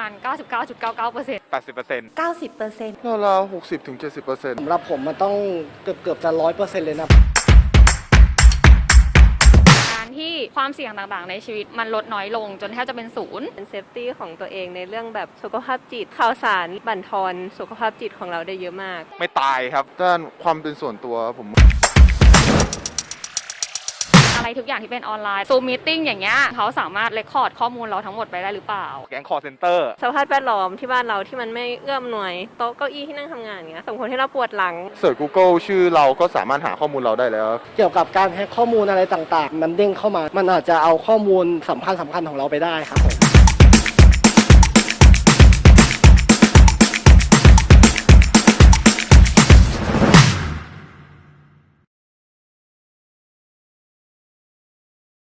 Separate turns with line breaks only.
มาณ 99.99%
80%
90%ราวๆ60-70%
สำหรับผมมันต้องเกือบจะ100%เลยนะ
การที่ความเสี่ยงต่างๆในชีวิตมันลดน้อยลงจนแทบจะเป็นศูนย์
เป็นเซฟตี้ของตัวเองในเรื่องแบบสุขภาพจิตข่าวสารบั่นทอนสุขภาพจิตของเราได้เยอะมาก
ไม่ตายครับ
ด้านความเป็นส่วนตัวผม
อะไรทุกอย่างที่เป็นออนไลน์ซูมมีตติ้งอย่างเงี้ยเขาสามารถเรคคอร์ดข้อมูลเราทั้งหมดไปได้หรือเปล่า
แก๊งคอร์เซนเตอร์
สภาพแวดล้อมที่บ้านเราที่มันไม่เอื้อมหน่วยโต๊ะเก้าอี้ที่นั่งทำงานเงี้ยส่งผลให้เราปวดหลัง
เสิร์ช Google ชื่อเราก็สามารถหาข้อมูลเราได้แล้ว
เกี่ยวกับการแฮ็กข้อมูลอะไรต่างๆมันเด้งเข้ามามันอาจจะเอาข้อมูลสำคัญของเราไปได้ครับผม